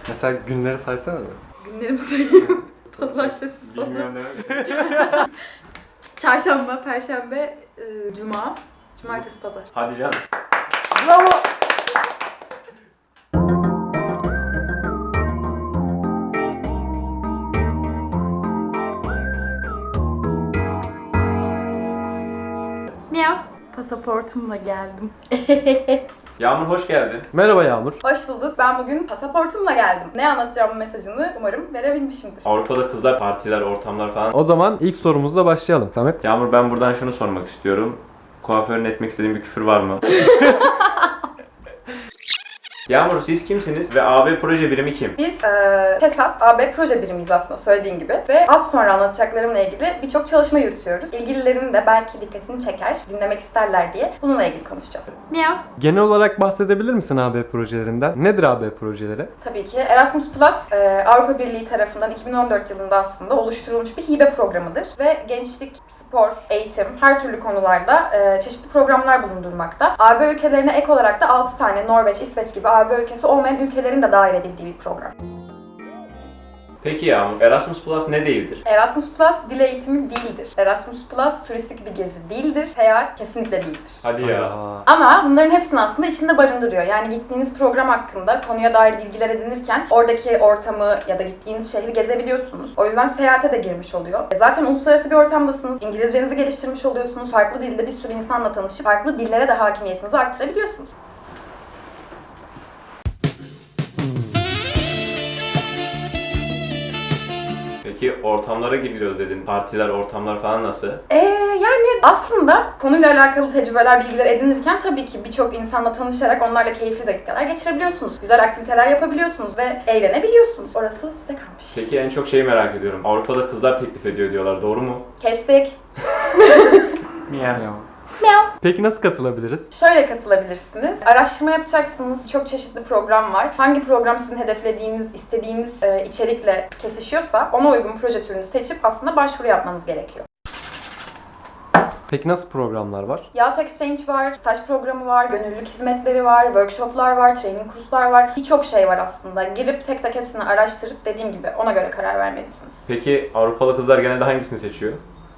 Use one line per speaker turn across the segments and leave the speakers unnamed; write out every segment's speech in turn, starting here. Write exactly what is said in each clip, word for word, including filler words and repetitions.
Mesela günleri saysana mı?
Günlerimi söyleyeyim. Pazartesi, salı.
Bilmiyorum ne.
Çarşamba, Perşembe, e, Cuma, Cumartesi, Pazar.
Hadi canım.
Bravo!
Miyav. Pasaportumla geldim.
Yağmur hoş geldin.
Merhaba Yağmur.
Hoş bulduk. Ben bugün pasaportumla geldim. Ne anlatacağım mesajını umarım verebilmişimdir.
Avrupa'da kızlar, partiler, ortamlar falan.
O zaman ilk sorumuzla başlayalım. Samet.
Yağmur ben buradan şunu sormak istiyorum. Kuaförün etmek istediğin bir küfür var mı? Yağmur siz kimsiniz ve A B proje birimi kim?
Biz e, TESAP, A B proje birimiyiz aslında söylediğim gibi. Ve az sonra anlatacaklarımla ilgili birçok çalışma yürütüyoruz. İlgililerin de belki dikkatini çeker, dinlemek isterler diye bununla ilgili konuşacağız. Miyav.
Genel olarak bahsedebilir misin A B projelerinden? Nedir A B projeleri?
Tabii ki Erasmus Plus e, Avrupa Birliği tarafından iki bin on dört yılında aslında oluşturulmuş bir hibe programıdır. Ve gençlik, spor, eğitim, her türlü konularda e, çeşitli programlar bulundurmakta. A B ülkelerine ek olarak da altı tane Norveç, İsveç gibi A B ülkesi olmayan ülkelerin de dahil edildiği bir program.
Peki Yağmur, Erasmus Plus ne değildir?
Erasmus Plus dil eğitimi değildir. Erasmus Plus turistik bir gezi değildir. Seyahat kesinlikle değildir.
Hadi ya.
Aa.
Ama bunların hepsini aslında içinde barındırıyor. Yani gittiğiniz program hakkında konuya dair bilgiler edinirken oradaki ortamı ya da gittiğiniz şehri gezebiliyorsunuz. O yüzden seyahate de girmiş oluyor. E zaten uluslararası bir ortamdasınız. İngilizcenizi geliştirmiş oluyorsunuz. Farklı dilde bir sürü insanla tanışıp farklı dillere de hakimiyetinizi arttırabiliyorsunuz.
Peki ortamlara giriliyoruz dedin. Partiler, ortamlar falan nasıl?
Ee, yani aslında konuyla alakalı tecrübeler, bilgiler edinirken tabii ki birçok insanla tanışarak onlarla keyifli dakikalar geçirebiliyorsunuz. Güzel aktiviteler yapabiliyorsunuz ve eğlenebiliyorsunuz. Orası size kalmış.
Peki en çok şeyi merak ediyorum. Avrupa'da kızlar teklif ediyor diyorlar. Doğru mu?
Kestik.
Miyav.
Miyav.
Peki nasıl katılabiliriz?
Şöyle katılabilirsiniz. Araştırma yapacaksınız. Çok çeşitli program var. Hangi program sizin hedeflediğiniz, istediğiniz e, içerikle kesişiyorsa ona uygun proje türünü seçip aslında başvuru yapmanız gerekiyor.
Peki nasıl programlar var?
Yahut Exchange var, staj programı var, gönüllülük hizmetleri var, workshoplar var, training kurslar var. Birçok şey var aslında. Girip tek tek hepsini araştırıp dediğim gibi ona göre karar vermelisiniz.
Peki Avrupalı kızlar genelde hangisini seçiyor?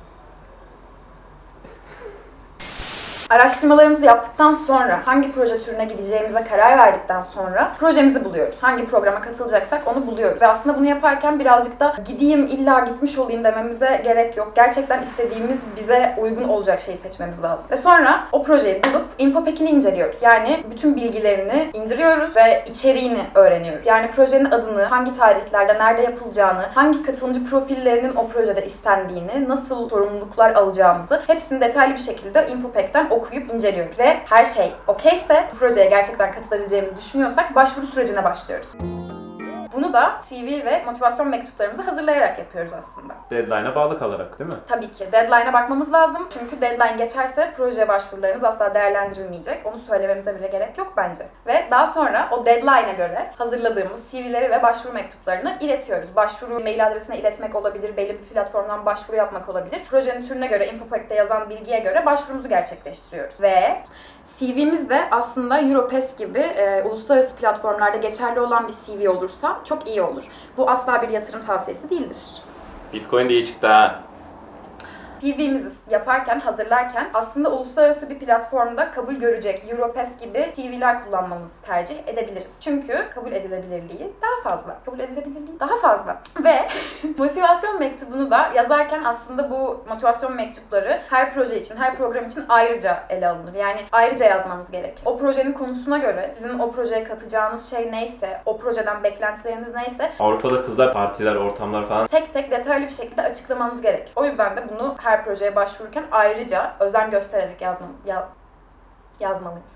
Araştırmalarımızı yaptıktan sonra, hangi proje türüne gideceğimize karar verdikten sonra projemizi buluyoruz. Hangi programa katılacaksak onu buluyoruz. Ve aslında bunu yaparken birazcık da gideyim illa gitmiş olayım dememize gerek yok. Gerçekten istediğimiz, bize uygun olacak şeyi seçmemiz lazım. Ve sonra o projeyi bulup infopekini inceliyoruz. Yani bütün bilgilerini indiriyoruz ve içeriğini öğreniyoruz. Yani projenin adını, hangi tarihlerde, nerede yapılacağını, hangi katılımcı profillerinin o projede istendiğini, nasıl sorumluluklar alacağımızı hepsini detaylı bir şekilde infopekten okuyup inceliyoruz. Ve her şey okeyse, bu projeye gerçekten katılabileceğimizi düşünüyorsak başvuru sürecine başlıyoruz. Bunu da C V ve motivasyon mektuplarımızı hazırlayarak yapıyoruz aslında.
Deadline'a bağlı kalarak değil mi?
Tabii ki. Deadline'a bakmamız lazım. Çünkü deadline geçerse proje başvurularınız asla değerlendirilmeyecek. Onu söylememize bile gerek yok bence. Ve daha sonra o deadline'a göre hazırladığımız C V'leri ve başvuru mektuplarını iletiyoruz. Başvuru mail adresine iletmek olabilir, belli bir platformdan başvuru yapmak olabilir. Projenin türüne göre, infopak'te yazan bilgiye göre başvurumuzu gerçekleştiriyoruz. Ve C V'miz de aslında Europass gibi e, uluslararası platformlarda geçerli olan bir C V olursa çok iyi olur. Bu asla bir yatırım tavsiyesi değildir.
Bitcoin de iyi çıktı ha.
C V'mizi yaparken, hazırlarken aslında uluslararası bir platformda kabul görecek Europass gibi C V'ler kullanmamızı tercih edebiliriz. Çünkü kabul edilebilirliği daha fazla. Kabul edilebilirliği daha fazla. Ve motivasyon mektubunu da yazarken aslında bu motivasyon mektupları her proje için, her program için ayrıca ele alınır. Yani ayrıca yazmanız gerek. O projenin konusuna göre, sizin o projeye katacağınız şey neyse, o projeden beklentileriniz neyse
Avrupa'da kızlar, partiler, ortamlar falan.
tek tek detaylı bir şekilde açıklamanız gerek. O yüzden de bunu her projeye başvururken ayrıca özen göstererek yazma, ya, yazmalıyız.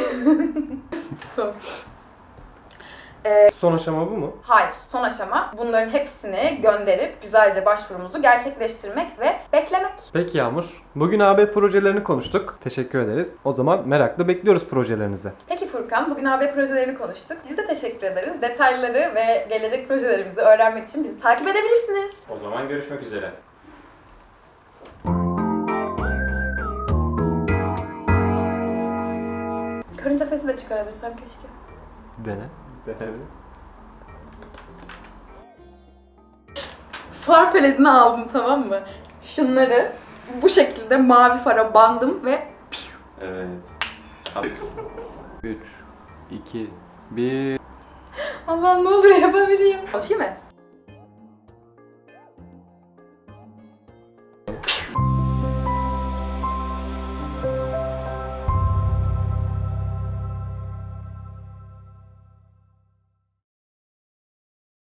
Son aşama bu mu?
Hayır. Son aşama bunların hepsini gönderip güzelce başvurumuzu gerçekleştirmek ve beklemek.
Peki Yağmur. Bugün A B projelerini konuştuk. Teşekkür ederiz. O zaman merakla bekliyoruz projelerinizi.
Peki Furkan, bugün A B projelerini konuştuk. Biz de teşekkür ederiz. Detayları ve gelecek projelerimizi öğrenmek için bizi takip edebilirsiniz.
O zaman görüşmek üzere.
Karınca sesi de çıkarabilsem keşke.
Dene.
Denelim.
far paletini aldım, tamam mı? Şunları bu şekilde mavi fara bandım ve
Evet.
üç, iki, bir.
Allah ne olur yapabileyim. Konuşayım mı?